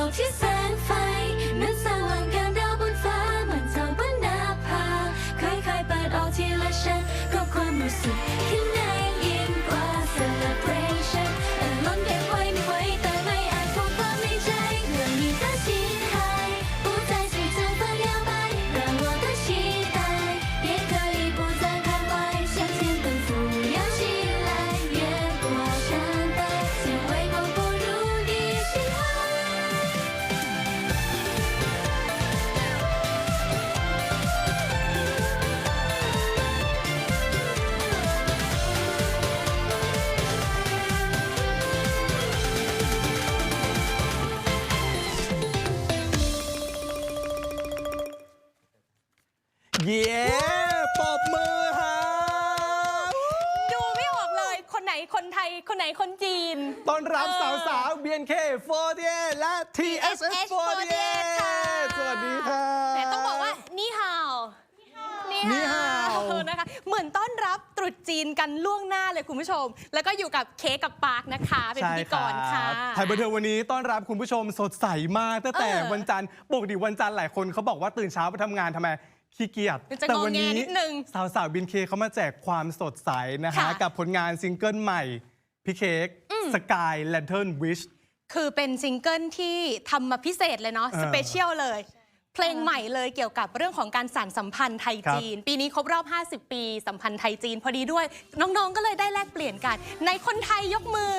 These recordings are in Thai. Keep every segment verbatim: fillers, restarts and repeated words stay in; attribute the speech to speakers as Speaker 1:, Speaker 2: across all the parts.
Speaker 1: กที่แสงไฟนั้นสว่างกันดาวบนฟ้าเหมือนเท่าบนหน้าผาค่อยๆเปิดออกทีละชั้นก็ความรู้สึกข้างในยิ่งกว่า celebration อารมณ์เก็บไว้ไม่ไหวแต่ไม่อาจพูดความในใจเรื่องนี้它心海不再是乘风摇摆让我的期待也可以不再徘徊向前奔赴扬起来越过山带先为我步入你心海
Speaker 2: เย้ปรบมือฮะ
Speaker 3: ดูไม่ออกเลยคนไหนคนไทยคนไหนคนจีน
Speaker 2: ต้อนรับ
Speaker 3: เออ
Speaker 2: สาวสาว บี เอ็น เค โฟร์ตี้เอท และ ที เอส เอส โฟร์ตี้เอท
Speaker 3: ค่ะ
Speaker 2: สวัสดีค่ะ
Speaker 3: แต่ต้องบอกว่านี่ฮาวนี่
Speaker 2: นี่ฮาว
Speaker 3: นะคะเหมือนต้อนรับตรุษจีนกันล่วงหน้าเลยคุณผู้ชม แล้วก็อยู่กับเค้กกับปาร์คนะคะเป็นพิธีกรค่ะ
Speaker 2: ไทยบันเทิงวันนี้ต้อนรับคุณผู้ชมสดใสมากตั้งแต่
Speaker 3: เออ
Speaker 2: วันจันทร์ปกติวันจันทร์หลายคนเขาบอกว่าตื่นเช้าไปทำงานทำไมขี้เกียจ
Speaker 3: มันจะ
Speaker 2: แต่
Speaker 3: งอ
Speaker 2: วั
Speaker 3: แง
Speaker 2: นี้
Speaker 3: นิดนึง
Speaker 2: สาวสาวบินเคเขามาแจกความสดใสนะฮะ
Speaker 3: ค่ะ
Speaker 2: กับผลงานซิงเกิลใหม่ พี่เค้ก Sky Lantern Wish
Speaker 3: คือเป็นซิงเกิลที่ทำมาพิเศษเลยเนาะ
Speaker 2: เออ
Speaker 3: สเปเชียลเลย เพลงใหม่เลยเกี่ยวกับเรื่องของการสานสัมพันธ์ไทยจีน ปีนี้ครบรอบ ห้าสิบ ปีสัมพันธ์ไทยจีนพอดีด้วย น้องๆ ก็เลยได้แลกเปลี่ยนกัน ในคนไทยยกมือ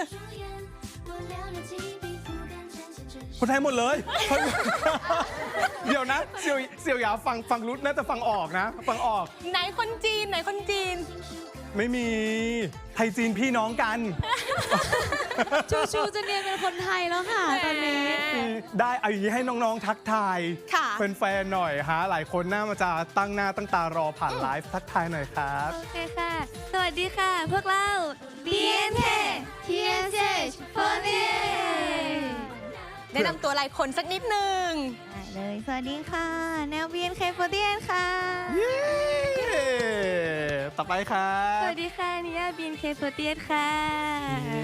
Speaker 2: คนไทยหมดเลย เดี๋ยวนะเสี่ยวเสี่ยวหยาฟังฟังรุดน่าจะฟังออกนะ ฟังออก
Speaker 3: ไหนคนจีนไหนคนจีน
Speaker 2: ไม่มีไทยจีนพี่น้องกัน
Speaker 1: ชูชูจะเรียนเป็นคนไทยแล้วค่ะตอนนี้
Speaker 2: ได้เอาอย่างนี้ให้น้องๆทักทาย
Speaker 3: ค่ะ
Speaker 2: แฟนๆหน่อยฮะหลายคนน่ามาจะตั้งหน้าตั้งตารอผ่านไลฟ์ทักทายหน่อยครับ
Speaker 1: โอเคค่ะ สวัสดีค่ะ พวกเรา บี เอ็น เค ที เอส เอช โฟร์ตี้เอท
Speaker 3: แนะนำตัวหลายคนสักนิดนึง
Speaker 1: ได้เลย สวัสดีค่ะ แนว บี เอ็น เค โฟร์ตี้เอท ค่ะ
Speaker 2: เย้ต่อไปครั
Speaker 1: ส
Speaker 2: บ
Speaker 1: วัสดีค่ะ นิยา บี เอ็น เค โฟร์ตี้เอท ค่ะ
Speaker 2: นี่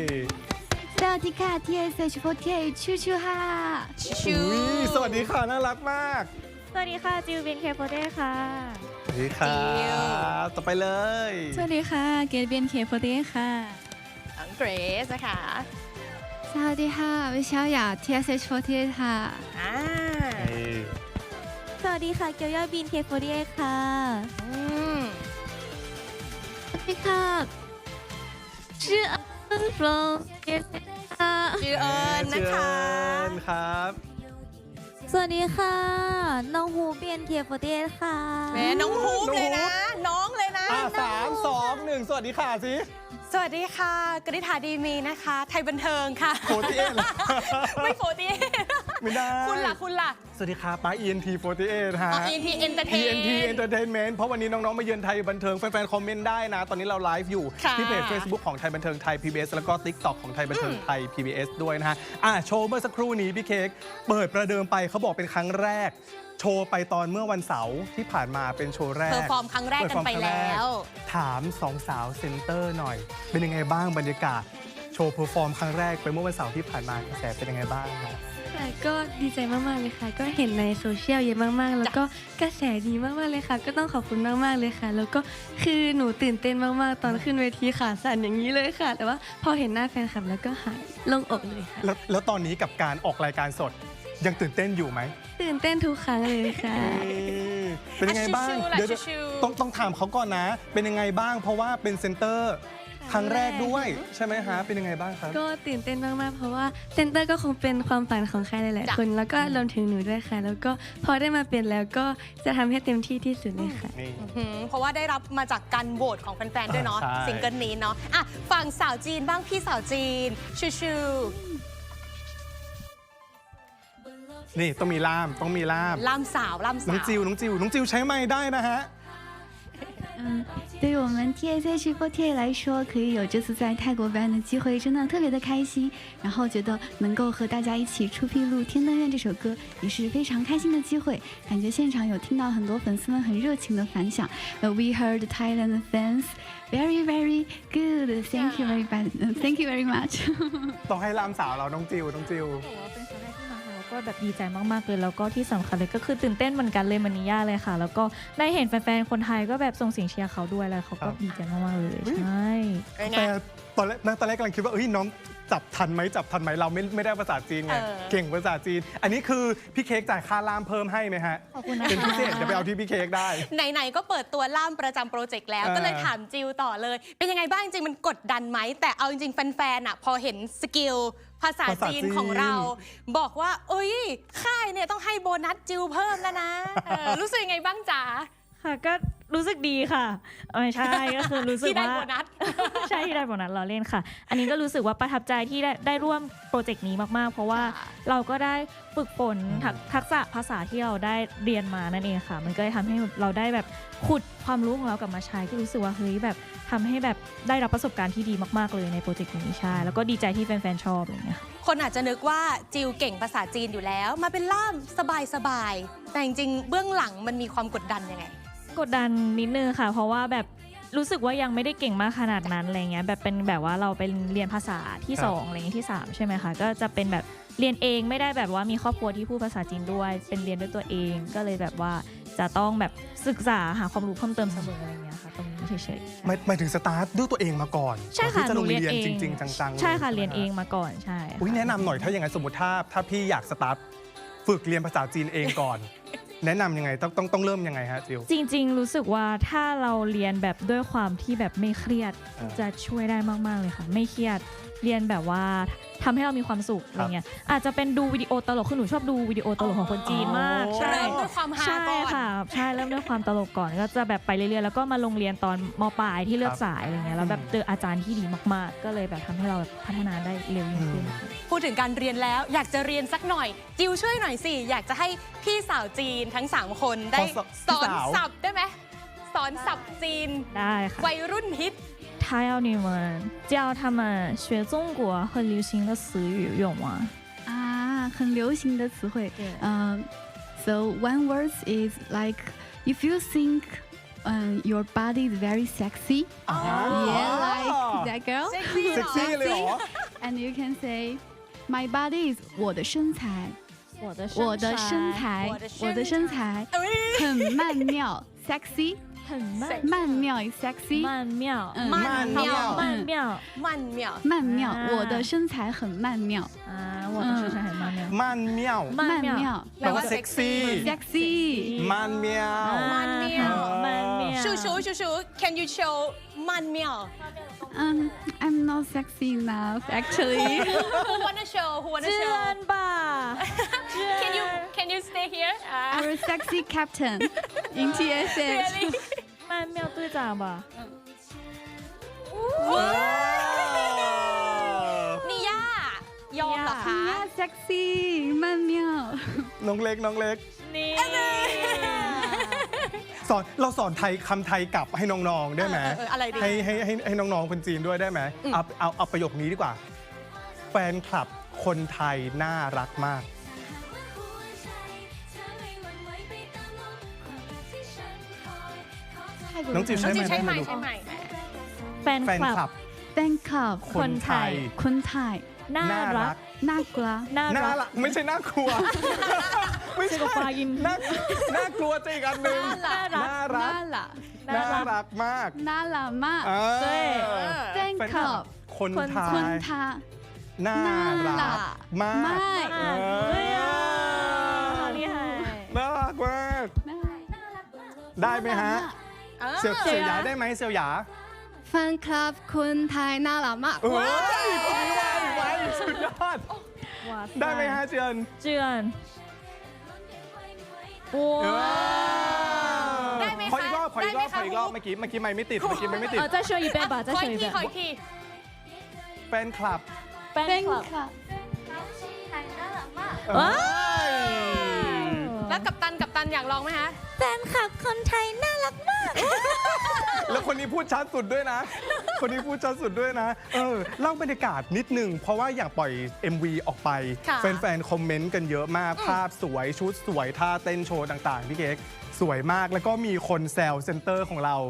Speaker 1: สวัสดีค่ะ ที เอส เอช โฟร์ตี้เอท ชูชูค่ะ
Speaker 3: ชู
Speaker 2: อุ๊ยสวัสดีค่ะน่ารักมาก
Speaker 1: สวัสดีค่ะ จิว บี เอ็น เค โฟร์ตี้เอท ค่ะ
Speaker 2: สวัสดีครับต่อไปเลย
Speaker 1: สวัสดีค่ะ เกด บี เอ็น เค โฟร์ตี้เอท ค่ะ
Speaker 3: น้องเกรซนะคะ
Speaker 1: สวัสดีค่ะ วิชาหยา ที เอส เอช โฟร์ตี้เอท ค่ะ
Speaker 3: อ่า
Speaker 2: นี่
Speaker 1: สวัสดีค่ะ เกียวย่า บี เอ็น เค โฟร์ตี้เอท ค่ะ
Speaker 3: อืม
Speaker 1: สวัสดีค่ะชื่ออันฟลงค่ะ
Speaker 3: ชื่อเอิญนะคะ
Speaker 2: เชิญครับ
Speaker 1: สวัสดีค่ะ น้องฮู บี เอ็น เค โฟร์ตี้เอท ค่ะ
Speaker 3: แหม่น้องฮูปเลยนะ น้องเลยนะ
Speaker 2: อ่ะสามสองหนึ่งสวัสดีค่ะสิ
Speaker 3: สวัสดีค่ะกฤษฐาดีมีนะคะ ไทยบันเทิงค่ะ
Speaker 2: โฟร์ตี้เอทเหรอ
Speaker 3: ไม่โฟตี
Speaker 2: ไม่ได้
Speaker 3: คุณล่ะคุณล่ะ
Speaker 2: สวัสดีครับป้า อี เอ็น ที โฟร์ตี้เอท ฮะ
Speaker 3: อ๋อ อี เอ็น ที Entertain
Speaker 2: อี เอ็น ที Entertainment เพราะวันนี้น้อง ๆ มาเยือนไทยบันเทิง แฟน ๆ คอมเมนต์ได้นะ ตอนนี้เราไลฟ์อยู่
Speaker 3: ค่ะ
Speaker 2: ที่เพจ Facebook ของไทยบันเทิงไทย พี บี เอส แล้วก็ TikTok ของไทยบันเทิงไทย พี บี เอส ด้วยนะฮะอ่ะโชว์เมื่อสักครู่นี้พี่เค้กเปิดประเดิมไปเขาบอกเป็นครั้งแรก โชว์ไปตอนเมื่อวันเสาร์ที่ผ่านมาเป็นโชว์แรก
Speaker 3: เพอร์ฟอร์มครั้งแรกกันไปแล้ว
Speaker 2: ถามสองสาวเซนเตอร์หน่อย เป็นยังไงบ้างบรรยากาศ โชว์เพอร์ฟอร์มครั้งแรกไปเมื่อวันเสาร์ที่ผ่านมากระแสเป็นยังไงบ้างครับ
Speaker 4: ค่ะก็ดีใจมาก ๆ เลยค่ะ ก็เห็นในโซเชียลเยอะมาก ๆ แล้วก็กระแสดีมาก ๆ เลยค่ะ ก็ต้องขอบคุณมาก ๆ เลยค่ะ แล้วก็คือหนูตื่นเต้นมาก ๆ ตอนขึ้นเวทีขาสั่นอย่างนี้เลยค่ะ แต่ว่าพอเห็นหน้าแฟนคลับแล้วก็หายโล่งอกเลยค่ะ
Speaker 2: แล้วแล้วตอนนี้กับการออกรายการสดยังตื่นเต้นอยู่ไหม
Speaker 4: ตื่นเต้นทุกครั้งเลยค่ะ
Speaker 2: เป็นยังไงบ้าง
Speaker 3: ชิวๆแหละ
Speaker 2: เดี๋ยว
Speaker 3: ชิวๆ
Speaker 2: ต้องต้องถามเขาก่อนนะ เป็นยังไงบ้าง เพราะว่าเป็นเซนเตอร์ครั้งแรกด้วย ใช่ไหมฮะ เป็นยังไงบ้างครับ
Speaker 4: ก็ตื่นเต้นมาก ๆ เพราะว่าเซนเตอร์ก็คงเป็นความฝันของใครหลาย
Speaker 3: จ้ะ
Speaker 4: ๆ คน แล้วก็รวมถึงหนูด้วยค่ะ แล้วก็พอได้มาเป็นแล้วก็จะทำให้เต็มที่ที่สุดเลยค่ะ
Speaker 2: นี่
Speaker 3: หืมเพราะว่าได้รับมาจากการโหวตของแฟนๆด้วยเนาะ
Speaker 2: ใช่
Speaker 3: ซิงเกิลนี้เนาะอ่ะฝั่งสาวจีนบ้างพี่สาวจีน ชูชู
Speaker 2: นี่ต้องมีล่าม ต้องมีล่าม
Speaker 3: ล่ามสาวล่าม
Speaker 2: น้
Speaker 3: สา
Speaker 2: อง
Speaker 3: ว
Speaker 2: จิว น้องจิว น้องจิวใช้ไม้ได้นะฮะ
Speaker 5: 嗯，对于我们 T S H四十 来说，可以有这次在泰国表演的机会，真的特别的开心。然后觉得能够和大家一起出披露《天灯愿》这首歌，也是非常开心的机会。感觉现场有听到很多粉丝们很热情的反响。呃 We heard Thailand fans very very good. Thank you very much. Thank you very much.
Speaker 2: ต้องให้ล่ามสาวเรา น้องจิว น้องจิว
Speaker 1: 我เป็นสาวแรกที่มาหา
Speaker 6: แบบดีใจมากๆเลยแล้วก็ที่สำคัญเลยก็คือตื่นเต้นเหมือนกันเลยมานิยาเลยค่ะแล้วก็ได้เห็นแฟนๆคนไทยก็แบบส่งเสียงเชียร์เขาด้วยแล้วเขาก็ดีใจมากๆเลยใช่
Speaker 2: แต่ตอนแรกตอนแรกกำลังคิดว่าเอ้ยน้องจับทันไหมจับทันไหมเราไม่ไม่ได้ภาษาจีนไง
Speaker 3: เออ
Speaker 2: เก่งภาษาจีน อันนี้คือพี่เค้กจ่ายค่าล่ามเพิ่มให้ไหมฮะ
Speaker 6: ขอบคุณนะคะ
Speaker 2: เป็นพิเศษเดี๋ยวไปเอาที่พี่เค้กได้
Speaker 3: ไหนๆก็เปิดตัวล่ามประจำโปรเจกต์แล้ว
Speaker 2: เออ
Speaker 3: ก็เลยถามจิวต่อเลย เป็นยังไงบ้างจริงๆมันกดดันไหม แต่เอาจริงๆแฟนๆอ่ะพอเห็นสกิลภาษาจีนของเรา บอกว่าเอ้ยค่ายเนี่ยต้องให้โบนัสจิวเพิ่มแล้วนะเออรู้สึกยังไงบ้างจ๋า
Speaker 6: ค่ะก็รู้สึกดีค่ะไม่ใช่ก็คือรู้สึก
Speaker 3: ที่ได้
Speaker 6: ว่า
Speaker 3: โบนัส
Speaker 6: ใช่ที่ได้โบนัสเราเล่นค่ะ อันนี้ก็รู้สึกว่าประทับใจที่ได้ได้ร่วมโปรเจกต์นี้มากๆ เพราะว่า
Speaker 3: ค่ะ
Speaker 6: เราก็ได้ฝึกฝนทักทักษะภาษาที่เราได้เรียนมานั่นเองค่ะ มันก็เลยทำให้เราได้แบบขุดความรู้ของเรากลับมาใช้ก็รู้สึกว่าเฮ้ยแบบทำให้แบบได้รับประสบการณ์ที่ดีมากๆเลยในโปรเจกต์นี้ใช่แล้วก็ดีใจที่แฟนๆชอบอะไรอย่างเงี้ยค่ะ
Speaker 3: คนอาจจะนึกว่าจิวเก่งภาษาจีนอยู่แล้ว มาเป็นล่ามสบายๆแต่จริงๆเบื้องหลังมันมีความกดดันยังไง
Speaker 6: กดดันนิดนึงค่ะ เพราะว่าแบบรู้สึกว่ายังไม่ได้เก่งมากขนาดนั้นอะไรเงี้ยแบบเป็นแบบว่าเราเป็นเรียนภาษาที่
Speaker 2: ครับ
Speaker 6: สองอะไรเงี้ยที่สามใช่ไหมคะก็จะเป็นแบบเรียนเองไม่ได้แบบว่ามีครอบครัวที่พูดภาษาจีนด้วย เป็นเรียนด้วยตัวเองก็เลยแบบว่าจะต้องแบบศึกษาหาความรู้เพิ่มเติมเสมออะไรเงี้ยค่ะตรงนี้เฉยๆ
Speaker 2: หมายหมายถึงสตาร์ทด้วยตัวเองมาก่อน
Speaker 6: ใช่
Speaker 2: ก่อน
Speaker 6: ค่ะ
Speaker 2: ที่จะ
Speaker 6: ห
Speaker 2: ล
Speaker 6: นู
Speaker 2: ง
Speaker 6: เรียน
Speaker 2: เรียน
Speaker 6: เอง
Speaker 2: จริง ๆ จังๆ
Speaker 6: ใช่ค่ะ
Speaker 2: ล
Speaker 6: เรียนเองมาก่อนใช่
Speaker 2: อุ้ยแนะนำหน่อยถ้าอย่างนั้นสมมติถ้าถ้าพี่อยากสตาร์ทฝึกเรียนภาษาจีนเองก่อน แนะนำยังไงต้องต้องต้องเริ่มยังไงฮะจิว
Speaker 6: จริงๆ รู้สึกว่าถ้าเราเรียนแบบด้วยความที่แบบไม่เครียด
Speaker 2: อ่า
Speaker 6: จะช่วยได้มากๆเลยค่ะ ไม่เครียดเรียนแบบว่าทำให้เรามีความสุขอะไรเงี้ยอาจจะเป็นดูวิดีโอตลกคือหนูชอบดูวิดีโอตลกของคนจีนมาก
Speaker 2: อ๋อ
Speaker 6: ใช่
Speaker 3: เริ่มด้วยความฮา
Speaker 6: ใช่
Speaker 3: ก่อน
Speaker 6: ค่ะใช่เริ่มด้วยความตลกก่อนก็จะแบบไปเรื่อยๆแล้วก็มาลงเรียนตอนมปลายที่เลือกสายอะไรเงี้ยแล้วแบบเจออาจารย์ที่ดีมากๆ ก็เลยแบบทำให้เราแบบพัฒนาได้เร็วยิ่งขึ้น
Speaker 3: พูดถึงการเรียนแล้วอยากจะเรียนสักหน่อย จิวช่วยหน่อยสิ อยากจะให้พี่สาวจีนทั้ง 3 คนได้
Speaker 2: ขอส
Speaker 3: สอน
Speaker 2: พี่สาว
Speaker 3: ศัพท์ได้ไหมสอนศัพท์จีน
Speaker 6: ได้ค่ะ
Speaker 3: วัยรุ่นฮิต
Speaker 6: 他要你们教他们学中国很流行的词语用吗？
Speaker 5: 啊，很流行的词汇。
Speaker 6: 对
Speaker 5: 嗯、so one word is like if you think um, your body is very sexy, yeah, like that girl,
Speaker 3: เซ็กซี่
Speaker 2: เซ็กซี่เลยเหรอ
Speaker 5: and you can say my body is 我的身材，
Speaker 6: 我的
Speaker 5: 我的身材，我的身材很曼妙，sexy，
Speaker 6: 很慢
Speaker 5: 曼妙 is sexy，
Speaker 6: 曼妙
Speaker 5: 嗯
Speaker 3: 曼妙
Speaker 6: 曼妙
Speaker 3: มันเหมียว
Speaker 5: 曼妙，
Speaker 6: 啊
Speaker 5: 我的身材很曼妙
Speaker 6: 啊，我的身材很曼妙。
Speaker 2: มันเมี่ยว
Speaker 6: 曼妙
Speaker 5: 妙
Speaker 2: แปลว่าเซ็กซี่
Speaker 5: ，sexy。
Speaker 2: มันเมี่ยว
Speaker 3: 曼妙
Speaker 6: 曼妙。
Speaker 3: ชูชูชูชู can you show มันเหมียว
Speaker 5: Um, I'm not sexy enough actually.
Speaker 3: who wanna show who wanna
Speaker 6: 知
Speaker 3: show
Speaker 6: 恩吧？
Speaker 3: can you can you stay here อ่า
Speaker 5: Our sexy captain in T S H.
Speaker 3: really
Speaker 6: 曼妙队长吧？
Speaker 3: นี่ย่ายอมเหรอคะ
Speaker 5: Yeah, sexy, 曼妙。
Speaker 2: น้องเล็กน้องเล็ก
Speaker 6: 你
Speaker 2: สอนเราสอนไทยคำไทยกลับให้น้องๆได้ไหม
Speaker 3: เออเอออะไรดี
Speaker 2: ให้ให้ให้ให้น้องๆคนจีนด้วยได้ไหมเอาเอาเอาประโยคนี้ดีกว่า แฟนคลับคนไทยน่ารักมาก น้องจิว
Speaker 3: น้
Speaker 2: ใช่
Speaker 3: อง
Speaker 2: ไหม
Speaker 3: จิวใช่ไหม
Speaker 2: ลูก
Speaker 3: ใช่ไหม
Speaker 6: แฟน
Speaker 2: แฟน
Speaker 6: ค
Speaker 2: ค
Speaker 6: ลั
Speaker 2: ลั
Speaker 6: บบ
Speaker 5: Bangkok,
Speaker 2: คนไทย
Speaker 5: คนไทย
Speaker 6: น่า
Speaker 2: น่า
Speaker 6: รั
Speaker 2: รั
Speaker 6: ก
Speaker 2: ก
Speaker 5: น่ากลัว
Speaker 6: น่า
Speaker 2: น่า
Speaker 6: รัก
Speaker 2: รักไม่ใช่น่ากลัว ไม่
Speaker 6: 这
Speaker 2: ใช่
Speaker 6: 个发音
Speaker 2: น่าน่ากลัวจะอีกอันหนึ่ง
Speaker 6: น่ารัก
Speaker 2: น่ารัก
Speaker 5: น่ารัก
Speaker 2: น่ารักมาก
Speaker 5: น่ารักมาก
Speaker 2: เออ
Speaker 6: 对
Speaker 2: แฟนคลับ
Speaker 5: Bangkok
Speaker 2: คนไท
Speaker 5: คน
Speaker 2: ย
Speaker 5: ไทย
Speaker 2: น่ารักมาก
Speaker 5: มาก
Speaker 2: เออ
Speaker 6: 对呀，好厉害！
Speaker 2: น่ารักมาก ได้ไหมฮะ
Speaker 3: เออ
Speaker 2: เสี่ยวเสี่ยวหยาได้ไหมเสี่ยวหยา
Speaker 7: แฟนคลับคนไทยน่ารักมาก
Speaker 2: เอ้ยคนนี้ไวไวสุดยอด
Speaker 6: 哇塞！
Speaker 2: ได้ไหมฮะเจือน
Speaker 6: 这样，
Speaker 2: เออ
Speaker 6: 哇！
Speaker 3: ได้ไหม
Speaker 2: ขออีกรอบ
Speaker 3: คะ
Speaker 2: ขออีกรอบ
Speaker 3: ได้ไหม
Speaker 2: ขออีกรอบ
Speaker 3: คะ
Speaker 2: เมื่อกี้เมื่อกี้ไม่ไม่ติดเมื่อกี้ไม่ไม่ติด
Speaker 6: 呃，再说一遍吧，再
Speaker 3: ขอ
Speaker 6: 说
Speaker 3: อี
Speaker 6: 一
Speaker 3: กที
Speaker 6: 遍
Speaker 3: ขอ。อีกที
Speaker 2: แฟนคลับ
Speaker 6: Fan club，
Speaker 2: เอ้ย
Speaker 3: แล้วกัปตันกัปตันอยากลองไหมคะ
Speaker 6: แฟนคลับคนไทยน่ารักมาก
Speaker 2: แล้วคนนี้พูดชัดสุดด้วยนะ คนนี้พูดชัดสุดด้วยนะ เออเล่าบรรยากาศนิดหนึ่งเพราะว่าอยากปล่อย เอ็ม วี ออกไป
Speaker 3: ค่ะ
Speaker 2: แฟนๆ คอมเมนต์กันเยอะมาก ภาพสวยชุดสวยท่าเต้นโชว์ต่างๆ พี่เค้กสวยมากแล้วก็มีคนแซวเซนเตอร์ของเรา
Speaker 3: อืม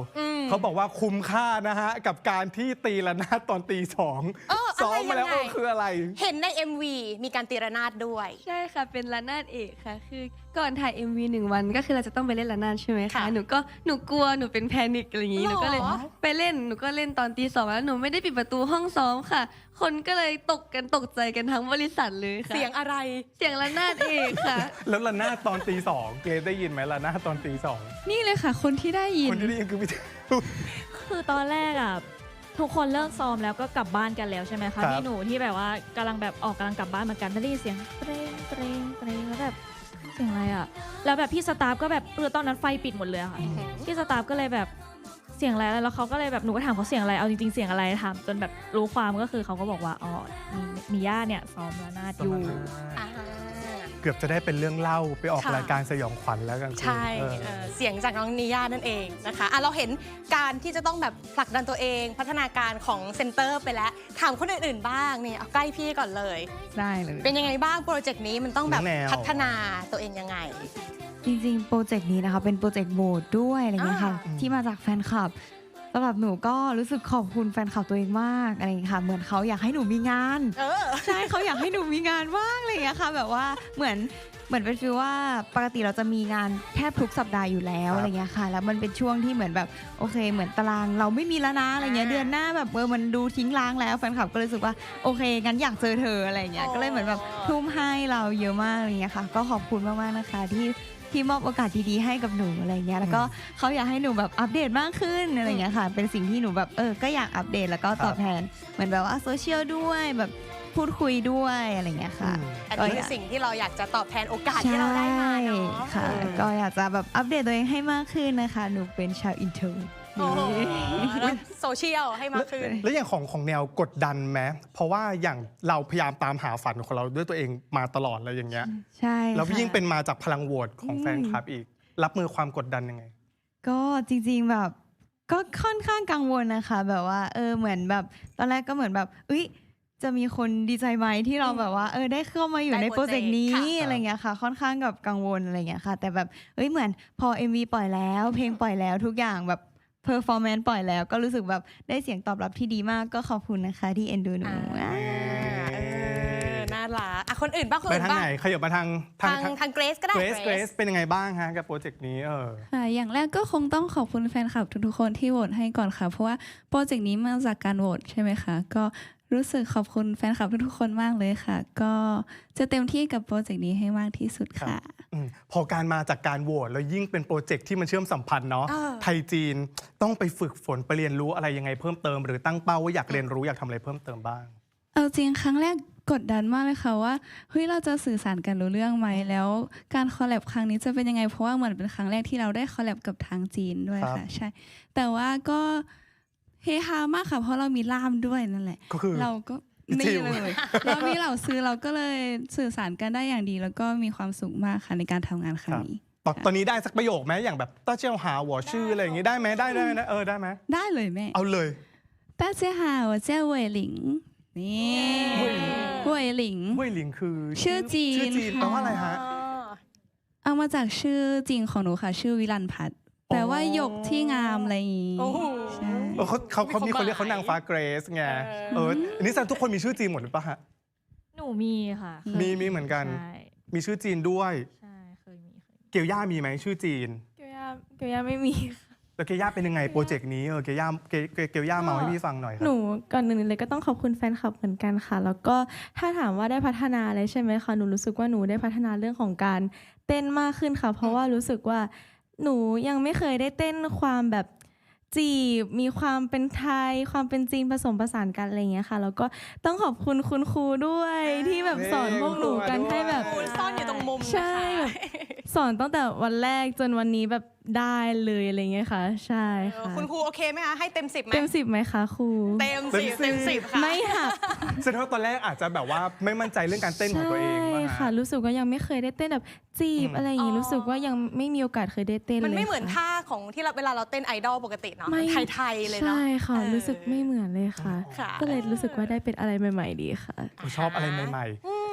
Speaker 2: เขาบอกว่าคุ้มค่านะฮะ กับการที่ตีระนาดตอนตีสอง
Speaker 3: เออ
Speaker 2: ซ้อมมาแล้ว
Speaker 3: อะไรยังไง
Speaker 2: เออคืออะไร
Speaker 3: เห็นใน เอ็ม วี มีการตีระนาดด้วย
Speaker 4: ใช่ค่ะ เป็นระนาดเอกค่ะ คือก่อนถ่าย เอ็ม วี หนึ่งวันก็คือเราจะต้องไปเล่นระนาดใช่ไหมคะ
Speaker 3: ค่ะ
Speaker 4: หนูก็หนูกลัวหนูเป็นแพนิคอะไรอย่างงี้
Speaker 3: หรอ
Speaker 4: หนูก็เลยไปเล่นหนูก็เล่นตอนตีสองแล้วหนูไม่ได้ปิดประตูห้องซ้อมค่ะ คนก็เลยตกกันตกใจกันทั้งบริษัทเลยค่ะ
Speaker 3: เสียงอะไร
Speaker 4: เสียงระนาดเอกค่ะ
Speaker 2: แล้วระนาดตอนตีสองเกรซได้ยินไหมระนาดตอนตีสอง
Speaker 5: นี่เลยค่ะ คนที่ได้ยิ
Speaker 2: คน นที่ได้ยินคือพี่เท
Speaker 6: คือตอนแรกอ่ะทุกคนเลิกซ้อมแล้วก็กลับบ้านกันแล้วใช่ไหม
Speaker 2: ครั
Speaker 6: คะ
Speaker 2: บ
Speaker 6: พี่หนูที่แบบว่ากำลังแบบออกกำลังกลับบ้านเหมือนกันได้ยินเสียงเตรงเตรงเตรงแล้วแบบเสียงอะไรอ่ะแล้วแบบพี่สตาฟก็แบบเออตอนนั้นไฟปิดหมดเลยอะค่ะพี่สตาฟก็เลยแบบเสียงอะไรแล้วเขาก็เลยแบบหนูก็ถามเขาเสียงอะไรเอาจริงๆเสียงอะไรถามจนแบบรู้ความก็คือเขาก็บอกว่าอ๋อมีมีย่าเนี่ยซ้อมระนาดอยู่
Speaker 3: อ่า
Speaker 2: เกือบจะได้เป็นเรื่องเล่าไปออก
Speaker 3: ค่ะ
Speaker 2: รายการสยองขวัญแล้วกัน
Speaker 3: ใช่เออเสียงจากน้องนิย่านั่นเองนะคะอ่ะเราเห็นการที่จะต้องแบบผลักดันตัวเองพัฒนาการของเซนเตอร์ไปแล้วถามคนอื่นๆบ้างนี่เอาใกล้พี่ก่อนเลย
Speaker 8: ได้เลย
Speaker 3: เป็นยังไงบ้างโปรเจกต์นี้มันต้องแบบ
Speaker 2: น้องแนว
Speaker 3: พัฒนาตัวเองยังไง
Speaker 8: จริงๆ โปรเจกต์นี้นะคะเป็นโปรเจกต์โหวตด้วยอะไรเงี้ยค่ะ
Speaker 3: อ่า
Speaker 8: ที่มาจากแฟนคลับสำหรับหนูก็รู้สึกขอบคุณแฟนคลับตัวเองมากอะไรอย่างเงี้ยค่ะเหมือนเขาอยากให้หนูมีงาน
Speaker 3: เออ
Speaker 8: ใช่เขาอยากให้หนูมีงานว่างอะไรอย่างเงี้ยค่ะแบบว่าเหมือนเหมือนเป็นฟีลว่าปกติเราจะมีงานแทบทุกสัปดาห์อยู่แล้ว
Speaker 2: ครับ
Speaker 8: อะไรเงี้ยค่ะแล้วมันเป็นช่วงที่เหมือนแบบโอเค เหมือนตารางเราไม่มีแล้วนะอะไรเงี้ย
Speaker 3: อ่า
Speaker 8: เดือนหน้าแบบเออมันดูทิ้งร้างแล้วแฟนคลับก็เลยรู้สึกว่าโอเคงั้นอยากเจอเธออะไรเงี้ย
Speaker 3: อ๋อ
Speaker 8: ก็เลยเหมือนแบบทุ่มให้เราเยอะมากอะไรเงี้ยค่ะก็ขอบคุณมากๆนะคะที่ที่มอบโอกาสดีๆให้กับหนูอะไรเงี้ยแล้วก็เขาอยากให้หนูแบบอัปเดตมากขึ้นอะไรเงี้ยค่ะเป็นสิ่งที่หนูแบบเออก็อยากอัปเดตแล้วก็ตอบแทนเหมือนแบบว่าโซเชียลด้วยแบบพูดคุยด้วยอะไรเงี้ยค่ะ
Speaker 3: อันนี้คือสิ่งที่เราอยากจะตอบแทนโอกาสที่เราได้มาเนาะ
Speaker 8: ใช่ค่ะ ก็อยากจะแบบอัปเดตตัวเองให้มากขึ้นนะคะ หนูเป็นชาวอินเทอร์
Speaker 3: โอ้โหแล้วโซเชียลให้มากขึ้น
Speaker 2: แล้วอย่างของของแนวกดดันไหมเพราะว่าอย่างเราพยายามตามหาฝันของเราด้วยตัวเองมาตลอดเลยอย่างเงี้ย
Speaker 8: ใช่
Speaker 2: แล้ว
Speaker 8: ค่ะ
Speaker 2: ยิ่งเป็นมาจากพลังโหวตของแฟนคลับอีก รับมือความกดดันยังไง
Speaker 8: ก็จริงๆแบบก็ค่อนข้างกังวลนะคะ แบบว่าเออเหมือนแบบตอนแรกก็เหมือนแบบเอ้ยจะมีคนดีใจไหมที่เราแบบว่าเออได้เข้ามาอยู่
Speaker 3: ได้
Speaker 8: ในโปรเจกต์นี้
Speaker 3: โปรเจกต์ค่ะ
Speaker 8: อะไรเงี้ยค่ะ ค่อนข้างกับกังวลอะไรเงี้ยค่ะ แต่แบบเอ้ยเหมือนพอ เอ็ม วี ปล่อยแล้ว เพลงปล่อยแล้วทุกอย่างแบบเพอร์ฟอร์แมนซ์ปล่อยแล้วก็รู้สึกแบบได้เสียงตอบรับที่ดีมากก็ขอบคุณนะคะที่เอ็นดูหนู
Speaker 3: อ่าเออน่ารักอ่ะคนอื่นบ้างคน
Speaker 2: ไป
Speaker 3: อื่น
Speaker 2: ทาง
Speaker 3: บ้าง
Speaker 2: ไหนขยับมาทาง
Speaker 3: ทางทางเกรซก็ได้
Speaker 2: เกรซเกรซเป็นยังไงบ้างฮะกับโปรเจกต์นี้เออ
Speaker 5: ค่ะอย่างแรกก็คงต้องขอบคุณแฟนคลับทุกๆคนที่โหวตให้ก่อนค่ะ เพราะว่าโปรเจกต์นี้มาจากการโหวตใช่ไหมคะ ก็รู้สึกขอบคุณแฟนคลับทุกๆคนมากเลยค่ะ ก็จะเต็มที่กับโปรเจกต์นี้ให้มากที่สุดค่ะ
Speaker 2: อืมพอการมาจากการโหวตแล้วยิ่งเป็นโปรเจกต์ที่มันเชื่อมสัมพันธ์เนาะ
Speaker 3: เออ
Speaker 2: ไทยจีนต้องไปฝึกฝนไปเรียนรู้อะไรยังไงเพิ่มเติม หรือตั้งเป้าว่าอยากเรียนรู้อยากทำอะไรเพิ่มเติมบ้าง
Speaker 5: เอาจริงครั้งแรกกดดันมากเลยค่ะว่าเฮ้ยเราจะสื่อสารกันรู้เรื่องไหมแล้วการคอลแลบครั้งนี้จะเป็นยังไงเพราะว่าเหมือนเป็นครั้งแรกที่เราได้คอลแลบกับทางจีนด้วย
Speaker 2: ครับ
Speaker 5: ค่ะใช่ แต่ว่าก็เฮฮามากค่ะเพราะเรามีล่ามด้วยนั่นแหละ
Speaker 2: ก็คือ
Speaker 5: เราก็
Speaker 2: จิ
Speaker 5: นี่
Speaker 2: ว
Speaker 5: เลยเรามีเหล่าซื้อเราก็เลยสื่อสารกันได้อย่างดี แล้วก็มีความสุขมากค่ะในการทำงานครั้งนี้
Speaker 2: ตอนตอนนี้ได้สักประโยคไหมอย่างแบบต้าเจียวหาหัวชื่ออะไรอย่างงี้ได้ไหมได้ได้นะเออได้ไหม
Speaker 5: ได้เลยแม่
Speaker 2: เอาเลย
Speaker 5: 大家好我叫伟玲นี่เว่ยหลิง
Speaker 2: เว่ยหลิงคือ
Speaker 5: ชื่อจีน
Speaker 2: ชื่อจีนแปลว่าอะไรฮะ
Speaker 5: เอามาจากชื่อจริงของหนูค่ะ ชื่อวิลันพัฒน์แปลว่าหยกที่งามอะไรอย่างงี้
Speaker 3: โอ้โห
Speaker 5: ใช่
Speaker 2: เออเขาเขาเขามี
Speaker 3: มี
Speaker 2: ค
Speaker 3: คน
Speaker 2: นเรียกเขานางฟ้าเกรซไง
Speaker 3: เออ
Speaker 2: เอออันนี้แสดงทุกคนมีชื่อจีนหมดหรือเปล่าฮะ
Speaker 6: หนูมีค่ะเคย
Speaker 2: มีมีเหมือนกัน
Speaker 6: ใช่
Speaker 2: มีชื่อจีนด้วย
Speaker 6: ใช่เคยมีเคยมี
Speaker 2: เกียวย่ามีไหมชื่อจีน
Speaker 7: เกียวย่าเกียวย่าไม่มีค่ะ
Speaker 2: แล้วเกียวย่าเป็นยังไงโปรเจกต์นี้เออเกียวย่าเกเกเกียวย่าเมาให้พี่ฟังหน่อยครั
Speaker 7: ห
Speaker 2: บ
Speaker 7: นูก่อนหนึ่งเลยก็ต้องขอบคุณแฟนคลับเหมือนกันค่ะ แล้วก็ถ้าถามว่าได้พัฒนาอะไรใช่ไหมคะหนูรู้สึกว่าหนูได้พัฒนาเรื่องของการเต้นมากขึ้นค่ะ เพราะว่ารู้สึกว่าหนูยังไม่เคยได้เต้นความแบบจีบมีความเป็นไทย ความเป็นจีนผสมผสานกันอะไรอย่างเงี้ยค่ะ แล้วก็ต้องขอบคุณคุณครูด้วยที่แบบสอนพวกหนูกันให้แบบ
Speaker 3: คุณซ่อนอยู่ตรงมุมนะคะ
Speaker 7: ใช่แบบสอนตั้งแต่วันแรกจนวันนี้แบบได้เลยอะไรเงี้ยค่ะ ใช่
Speaker 3: เออ
Speaker 7: ค่ะ
Speaker 3: คุณครูโอเคไหมคะ ให้เต็มสิบไหม
Speaker 7: เต็มสิบไหมคะครู
Speaker 3: เต็มสิบเต็มสิบค่ะ
Speaker 7: ไม่หัก
Speaker 2: แสดงว่าตอนแรกอาจจะแบบว่าไม่มั่นใจเรื่องการเต้นของตัวเอง
Speaker 7: ใช่
Speaker 2: ว่า
Speaker 7: ค่ะ รู้สึกว่ายังไม่เคยได้เต้นแบบจีบ
Speaker 2: อืม
Speaker 7: อะไรอย่างงี้
Speaker 3: อ๋อ
Speaker 7: รู้สึกว่ายังไม่มีโอกาสเคยได้เต้นเลย
Speaker 3: มันไม่เหมือน
Speaker 7: ค่ะ
Speaker 3: ท่าของที่เราเวลาเราเต้นไอดอลปกติเนาะ
Speaker 7: ไม่
Speaker 3: ไทยๆเลยเนาะ
Speaker 7: ใช่ค่ะ
Speaker 3: เออ
Speaker 7: รู้สึกไม่เหมือนเลยค่ะ
Speaker 3: ค่ะ
Speaker 7: ก็เลยรู้สึกว่าได้เป็นอะไรใหม่ ๆ ดีค่ะ
Speaker 2: ชอบอะไรใหม่
Speaker 3: อืม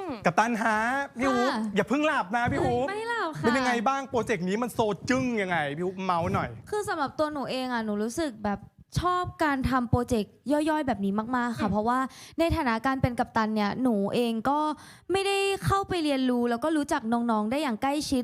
Speaker 2: กับตันฮะพี่ฮูป
Speaker 9: ค่ะ
Speaker 2: อย่าเพิ่งหลับนะพี่ฮูป
Speaker 9: ไม่หลับค่ะ
Speaker 2: เป็นยังไงบ้างโปรเจกต์นี้มันโซจึ้งยังไงพี่ฮูปเมาส์หน่อย
Speaker 9: คือสำหรับตัวหนูเองอ่ะหนูรู้สึกแบบชอบการทำโปรเจกต์ย่อยๆ แบบนี้มากๆค่ะเพราะว่าในฐานะการเป็นกัปตันเนี่ยหนูเองก็ไม่ได้เข้าไปเรียนรู้แล้วก็รู้จักน้องๆได้อย่างใกล้ชิด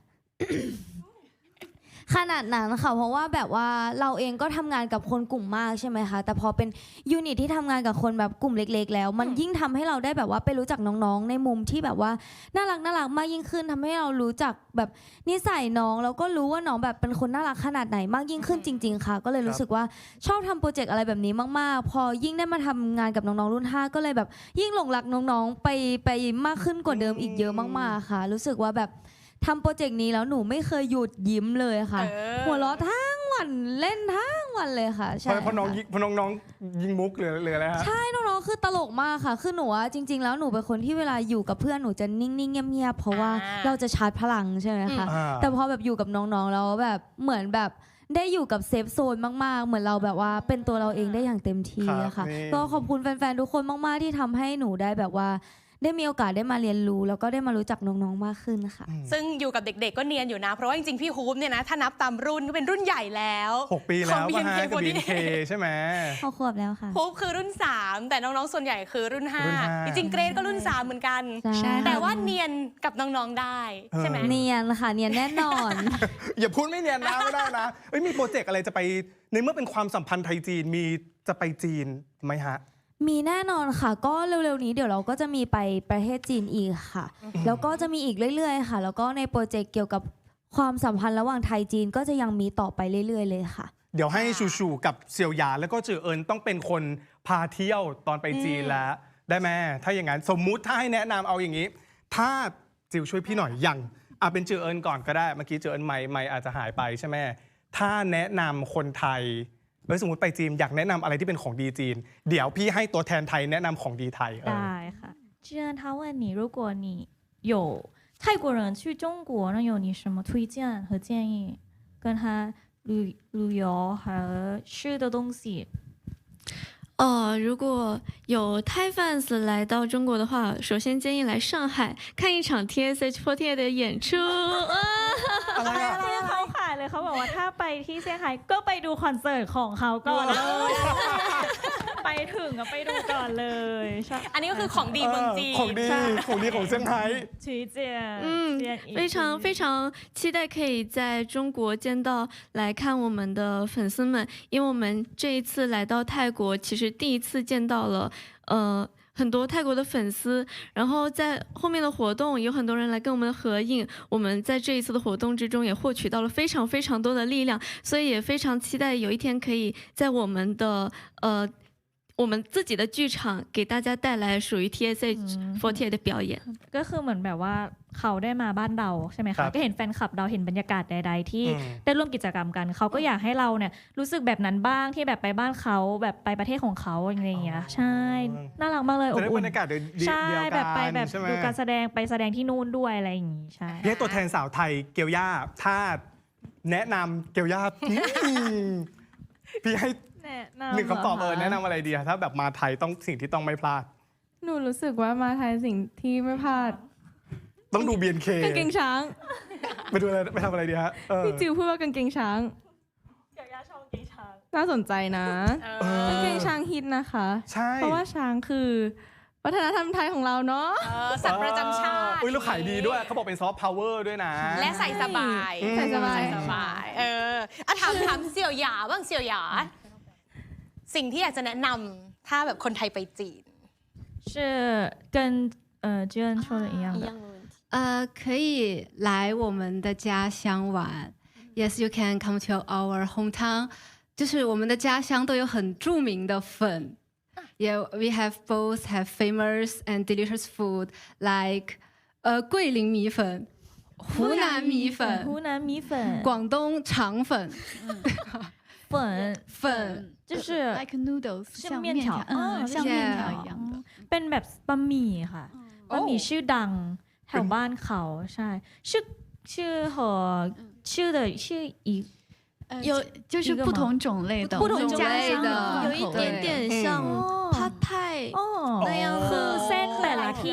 Speaker 9: ขนาดนั้นค่ะเพราะว่าแบบว่าเราเองก็ทำงานกับคนกลุ่มมากใช่ไหมคะแต่พอเป็นยูนิตที่ทำงานกับคนแบบกลุ่มเล็กๆ แล้ว มันยิ่งทำให้เราได้แบบว่าไปรู้จักน้องๆ ในมุมที่แบบว่าน่ารักน่ารักมากยิ่งขึ้นทำให้เรารู้จักแบบนิสัยน้องแล้วก็รู้ว่าน้องแบบเป็นคนน่ารักขนาดไหนมากยิ่งขึ้นจริง ๆ ค่ะ ก็เลยรู้สึกว่าชอบทำโปรเจกต์อะไรแบบนี้มากๆ พอยิ่งได้มาทำงานกับน้องๆรุ่นห้าก็เลยแบบยิ่งหลงรักน้องๆไปไปมากขึ้นกว่าเดิมอีกเยอะมากๆค่ะ รู้สึกว่าแบบทำโปรเจกต์นี้แล้วหนูไม่เคยหยุดยิ้มเลยค่ะ
Speaker 3: เออ
Speaker 9: หัวเราะทั้งวันเล่นทั้งวันเลยค่ะ
Speaker 2: เพ
Speaker 9: ใช่
Speaker 2: ราะเพราะน้อง
Speaker 9: ค่ะ
Speaker 2: ยิงเพราะน้องๆยิงมุกหรือหรืออะไรฮะ
Speaker 9: ใช่น้องๆคือตลกมากค่ะ คือหนูอะจริง ๆ แล้วหนูเป็นคนที่เวลาอยู่กับเพื่อนหนูจะนิ่งๆเงียบๆเพราะว่า
Speaker 3: อ่า
Speaker 9: เราจะชาร์จพลังใช่ไหมคะ
Speaker 2: อ่า
Speaker 9: แต่พอแบบอยู่กับน้องๆแล้วแบบเหมือนแบบได้อยู่กับเซฟโซนมากๆ เหมือนเราแบบว่าเป็นตัวเราเองได้อย่างเต็มที่อะค่ะ
Speaker 2: ครับนี่
Speaker 9: ก็ขอบคุณแฟนๆทุกคนมากๆที่ทำให้หนูได้แบบว่าได้มีโอกาสได้มาเรียนรู้ แล้วก็ได้มารู้จักน้องๆมากขึ้นค่ะ
Speaker 3: ซึ่งอยู่กับเด็กๆ ก็เนียนอยู่นะ เพราะว่าจริงๆ พี่ฮูปเนี่ยนะ ถ้านับตามรุ่นก็เป็นรุ่นใหญ่แล้ว
Speaker 2: หกปีแล้ว
Speaker 3: ของ
Speaker 2: ป่ะฮะ
Speaker 3: บี
Speaker 2: กับ
Speaker 3: เอ็
Speaker 2: บี
Speaker 3: ม
Speaker 2: เคใช่ไหม
Speaker 9: พอขวบแล้วค่ะ
Speaker 3: ฮูปคือรุ่น สาม แต่น้องๆ ส่วนใหญ่คือรุ่น ห้า
Speaker 2: รุ่นห้า
Speaker 3: จริงๆ เกรดก็รุ่น สาม เหมือนกัน
Speaker 9: ใช่
Speaker 3: แต่ว่าเนียนกับน้องๆ ได้ใช่ไหม
Speaker 9: เนียนค่ะเนียนแน่นอน
Speaker 2: อย่าพูดไม่เนียนนะไม่ได้นะเอ้ยมีโปรเจกต์อะไรจะไปในเมื่อเป็นความสัมพันธ์ไทยจีนมีจะไปจีนไหมฮะ
Speaker 9: มีแน่นอนค่ะ ก็เร็วๆนี้เดี๋ยวเราก็จะมีไปประเทศจีนอีกค่ะ แล้วก็จะมีอีกเรื่อยๆค่ะ แล้วก็ในโปรเจกต์เกี่ยวกับความสัมพันธ์ระหว่างไทยจีนก็จะยังมีต่อไปเรื่อยๆเลยค่ะ
Speaker 2: เดี๋ยวให้ชูชูกับเซียวหยานแล้วก็จือเอิญต้องเป็นคนพาเที่ยวตอนไปจีนแล้ว ได้ไหมถ้าอย่างนั้นสมมุติถ้าให้แนะนำเอาอย่างนี้ ถ้าจิวช่วยพี่หน่อยอย่างอ่ะเป็นจือเอิญก่อนก็ได้เมื่อกี้จือเอิญไม่ไม่อาจจะหายไปใช่ไหมถ้าแนะนำคนไทยเอ้ยสมมติไปจีนอยากแนะนำอะไรที่เป็นของดีจีน เดี๋ยวพี่ให้ตัวแทนไทยแนะนำของดีไทยเออ
Speaker 6: ได้ค่ะ既然他问你如果你有泰国人去中国那有你什么推荐和建议跟他旅旅游和吃的东西
Speaker 4: 呃，如果有 Thai fans 来到中国的话，首先建议来上海看一场 T S H 四十八的演出。啊
Speaker 2: อะไรอะ
Speaker 6: ที่เขาขายเลยเขาบอกว่าถ้าไปที่เซี่ยงไฮ้ก็ไปดูคอนเสิร์ตของเขาก่อนเลยไปถึงก็ไปดูก่อนเลยใช่
Speaker 3: อันนี้ก็คือของดีเมืองจีน
Speaker 2: ของดีของดีของเซี่ยงไฮ้
Speaker 6: ชี้เจียน
Speaker 4: 嗯，非常非常期待可以在中国见到来看我们的粉丝们，因为我们这一次来到泰国，其实第一次见到了呃很多泰国的粉丝，然后在后面的活动有很多人来跟我们合影，我们在这一次的活动之中也获取到了非常非常多的力量，所以也非常期待有一天可以在我们的呃。我们自己的剧场给大家带来属于 T S H 四十八的表演。
Speaker 6: ก็คือเหมือนแบบว่าเขาได้มาบ้านเราใช่ไหม
Speaker 2: ครั
Speaker 6: คะ
Speaker 2: บ
Speaker 6: ก็เห็นแฟนคลับเราเห็นบรรยากาศใดๆที่
Speaker 2: อืม
Speaker 6: ได้ร่วมกิจกรรมกันเขาก็อยากให้เราเนี่ยรู้สึกแบบนั้นบ้างที่แบบไปบ้านเขาแบบไปประเทศของเขาอะไรอย่างเงี้ยใช่น่ารักมากเลยอ
Speaker 2: จะ
Speaker 6: บ
Speaker 2: ได้บ
Speaker 6: อุ่
Speaker 2: ร
Speaker 6: น
Speaker 2: รยากาศเดียวเดียว
Speaker 6: ใช่
Speaker 2: กัน
Speaker 6: แบบไปแบบ
Speaker 2: ใช่ไหม
Speaker 6: ดูการแสดงไปแสดงที่นู่นด้วยอะไรอย่างงี้ใช่
Speaker 2: พี่ให้ตัวแทนสาวไทยเกียวย่าถ้าแนะนำเกียวย่าอืมพี่ให้
Speaker 6: แนะนำ
Speaker 2: หนึ่งคำตอบ
Speaker 6: หร
Speaker 2: เออ
Speaker 6: คะ
Speaker 2: แนะนำอะไรดีอะถ้าแบบมาไทยต้องสิ่งที่ต้องไม่พลาด
Speaker 7: หนูรู้สึกว่ามาไทยสิ่งที่ไม่พลาด
Speaker 2: ต้องดู บี เอ็น เค
Speaker 7: กางเกงช้าง
Speaker 2: ไปดูอะไรไปทำอะไรดีฮะเออ
Speaker 7: พี่จิวพูดว่ากางเกงช้าง
Speaker 6: เกี่ยวกับชอบกางเกงช้าง
Speaker 7: น่าสนใจนะ
Speaker 3: เออก
Speaker 7: างเกงช้างฮิตนะคะ
Speaker 2: ใช่
Speaker 7: เพราะว่าช้างคือวัฒนธรรมไทยของเราเนาะ
Speaker 3: เออสัตว์ประจำชาติ
Speaker 2: อุ้ยแล้วขายดีด้วยเขาบอกเป็นซอฟต์พาวเวอร์ด้วยนะ
Speaker 3: และใส่สบาย
Speaker 2: อืม
Speaker 7: ใส่สบาย
Speaker 3: ใส่สบายเอออะถามถามเสี่ยวหยาบ้างเสี่ยวหยา สิ่งที่อยากจะแนะนำถ้าแบบคนไทยไปจีน
Speaker 6: 是跟呃 j u n 说的一样的
Speaker 10: 呃，可以来我们的家乡玩。Yes, you can come to our hometown. 就是我们的家乡都有很著名的粉。Yeah, we have both have famous and delicious food like 呃桂林米粉、湖南米粉、
Speaker 6: 湖南米粉
Speaker 10: 广东肠粉、
Speaker 6: 粉
Speaker 10: 粉。
Speaker 6: 就是
Speaker 5: like noodles
Speaker 6: 是
Speaker 5: 像
Speaker 6: 面条
Speaker 5: 嗯，
Speaker 6: 哦
Speaker 5: 像
Speaker 10: 是
Speaker 5: 面条一样的。
Speaker 6: เป็นแบบบะหมี่ค่ะบะหมี่ชื่อดังแถวบ้านเขาใช่ชื่อชื่อ和ชื่อ的ชื่ออีก
Speaker 5: 呃
Speaker 10: 有
Speaker 5: 就是不同种类的，
Speaker 10: 不同
Speaker 5: 我们
Speaker 10: 种
Speaker 5: 家乡
Speaker 10: 类的
Speaker 5: 口味
Speaker 4: 有一点点像
Speaker 10: 嗯
Speaker 4: p a t
Speaker 6: อ๋อ
Speaker 4: 那样
Speaker 6: คือ
Speaker 4: 的
Speaker 6: เส้นแต่ละที่เนี่ย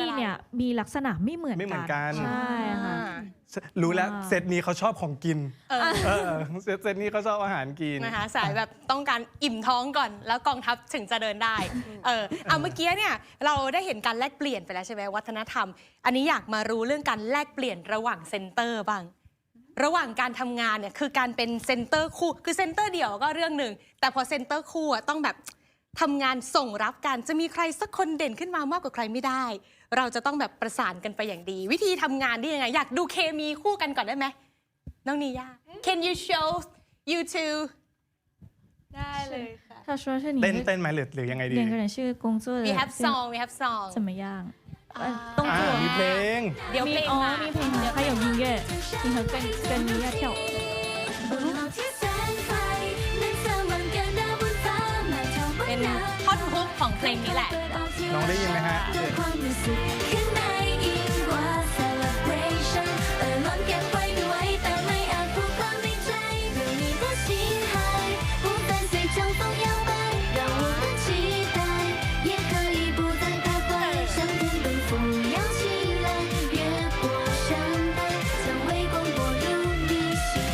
Speaker 6: มีลักษณะไม่เหมือน
Speaker 2: ไม่เหมือนกัน
Speaker 6: ใช่ค่ะ
Speaker 2: รู้แล้ว
Speaker 6: ว้าว
Speaker 2: เซตนี้เขาชอบของกิน
Speaker 3: เออ
Speaker 2: เออเซตเซตนี้เขาชอบอาหารกิน
Speaker 3: นะคะสายแบบต้องการอิ่มท้องก่อน แล้วกองทัพถึงจะเดินได้ เออเอาเมื่อกี้เนี่ยเราได้เห็นการแลกเปลี่ยนไปแล้วใช่ไหมวัฒนธรรม อันนี้อยากมารู้เรื่องการแลกเปลี่ยนระหว่างเซนเตอร์บ้าง ระหว่างการทำงานเนี่ยคือการเป็นเซนเตอร์คู่คือเซนเตอร์เดี่ยวก็เรื่องหนึ่งแต่พอเซนเตอร์คู่อะต้องแบบทำงานส่งรับกันจะมีใครสักคนเด่นขึ้นมามากกว่าใครไม่ได้ เราจะต้องแบบประสานกันไปอย่างดี วิธีทำงานได้ยังไงอยากดูเคมีคู่กันก่อนได้ไหมน้องนีย่า Can you show you two
Speaker 7: ได้เลยค่ะ
Speaker 6: 他说是你
Speaker 2: เต้นเต้นไหมหรือหรือยังไงดี
Speaker 6: 两个人是工作的
Speaker 3: We have song we have song
Speaker 6: 怎么样呃动
Speaker 2: อ่า
Speaker 6: 作
Speaker 2: มีเพลง
Speaker 3: เดี๋ยวเพลง
Speaker 6: 哦
Speaker 3: มา
Speaker 6: มีเพลงมา还有音乐你和跟跟你要跳舞
Speaker 1: บนโลกที่แสนไกลนั้นสว่างกันดาวบนฟ้ามาเท่าบ
Speaker 3: เป็น
Speaker 1: นดาว
Speaker 3: ท่อนฮุกของเพลงนี้แหละ
Speaker 2: น้องได้ยินไหมฮะ
Speaker 1: ด้วยความรู้สึกข้างในยิ่งกว่า celebration เอ่อล้นเก็บไว้ด้วยแต่ไม่อาจพูดความในใจเรื่องนี้的心海不再随长风摇摆让我们期待也可以不再徘徊向天奔赴摇起来越过山脉将微光拨入你心怀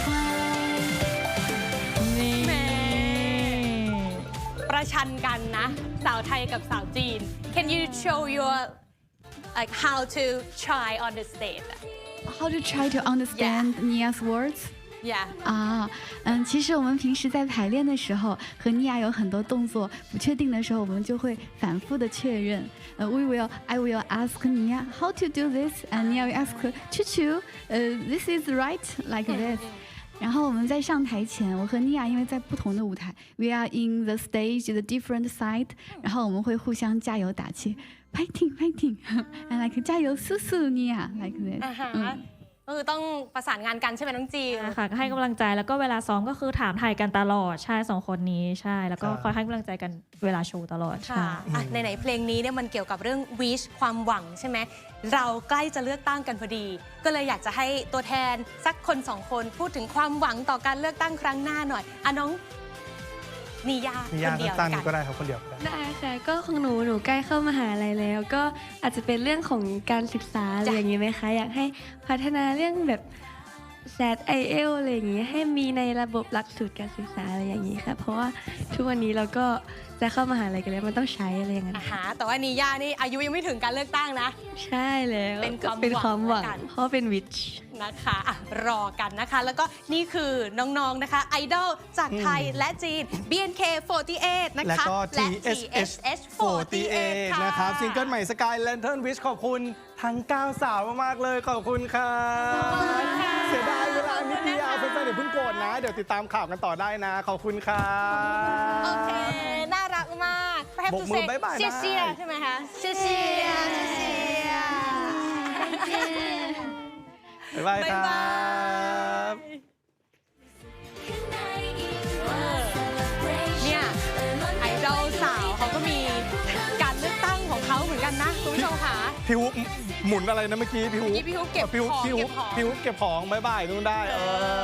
Speaker 3: ประชันกันนะ สาวไทยกับสาวจีน Can you show your like how to try on the stage
Speaker 5: How to try to understand Nia's words?
Speaker 3: Yeah
Speaker 5: 啊，嗯，其实我们平时在排练的时候，和妮亚有很多动作不确定的时候，我们就会反复的确认。呃，We will, I will ask Nia how to do this, and Nia will ask Chu Chu, 呃，This is right, like this. 然后我们在上台前，我和妮亚因为在不同的舞台 ，We are in the stage, the different side，然后我们会互相加油打气 ，fighting, fighting, and like 加油，สู้สู้妮亚 like this。
Speaker 3: อ่าฮะ
Speaker 5: 嗯。
Speaker 3: ก็คือต้องประสานงานกันใช่ไหมน้องจีน
Speaker 6: ค่ะก็ให้กำลังใจแล้วก็เวลาซ้อมก็คือถามไทยกันตลอดใช่สองคนนี้ใช่แล้วก็
Speaker 2: ใช่
Speaker 6: คอยให้กำลังใจกันเวลาโชว์ตลอด
Speaker 3: ค่ะ
Speaker 6: ใช่
Speaker 3: อ่ะไหนๆเพลงนี้เนี่ยมันเกี่ยวกับเรื่อง wish ความหวังใช่ไหมเราใกล้จะเลือกตั้งกันพอดี ก็เลยอยากจะให้ตัวแทนสักคนสองคนพูดถึงความหวังต่อการเลือกตั้งครั้งหน้าหน่อยอ่ะน้องนิยา
Speaker 2: นิ
Speaker 3: ค
Speaker 2: ยาน
Speaker 3: เดียว
Speaker 2: สั้น
Speaker 3: แล้ว
Speaker 2: ๆ
Speaker 3: กั
Speaker 2: ก็
Speaker 3: น
Speaker 2: ได้ครับคนเดียวก็ได้
Speaker 4: ได้ค่ะก็ของหนูหนูใกล้เข้ามหาลัยแล้ว ก็อาจจะเป็นเรื่องของการศึกษาอะไรอย่างนี้ไหมคะ อยากให้พัฒนาเรื่องแบบแซดไอเอลอะไรอย่างนี้ให้มีในระบบหลักสูตรการศึกษาอะไรอย่างนี้ค่ะ เพราะว่าทุกวันนี้เราก็จะเข้ามหาลัยกันแล้วมันต้องใช้อะไรอย่างนั้น
Speaker 3: อ่าฮะแต่ว่านิยานี่อายุยังไม่ถึงการเลือกตั้งนะ
Speaker 4: ใช่แล้ว
Speaker 3: เป็นความ
Speaker 4: เป็นความหวัง
Speaker 3: หวังแล้วกัน
Speaker 4: เพราะเป็นวิช
Speaker 3: นะคะอ่ะรอกันนะคะ แล้วก็นี่คือน้องๆนะคะไอดอลจากไทยและจีน บี เอ็น เค โฟร์ตี้เอท นะคะ
Speaker 2: และก็
Speaker 3: และ
Speaker 2: ที เอส เอช
Speaker 3: โฟร์ตี้เอท ค่ะ
Speaker 2: นะครับซิงเกิลใหม่ Sky Lantern Wish ขอบคุณทั้งเก้าสาวมาก ๆ เลย ขอบคุณครับเสียดายเวลานิดเดียวแฟนๆเดี๋ยวเพิ่งโกรธนะ เดี๋ยวติดตามข่าวกันต่อได้นะ ขอบคุณครับ
Speaker 3: โอเค น่ารักมากแฮป
Speaker 2: บก
Speaker 3: ปี้
Speaker 2: มื
Speaker 3: เซ
Speaker 2: อบ๊ายบาย
Speaker 3: เชีย
Speaker 2: ได้
Speaker 3: เชียใช่ไหมคะเชียเชียเชีย
Speaker 2: บ๊ายบายครับ
Speaker 3: เนี่ยไอดอลสาวเขาก็มีการเลือกตั้งของเขาเหมือนกันนะคุณผู้ชมค่ะ
Speaker 2: พี่ฮุบหมุนอะไรนะเมื่อกี้พี่ฮุบ
Speaker 3: เมื่อกี้พี่ฮุบเก็บ
Speaker 2: พี่ฮุบ
Speaker 3: ของ
Speaker 2: พี่ฮุบ
Speaker 3: เก็บของ
Speaker 2: พี่ฮุบเก็บของบ๊ายบายนู่นได้เออ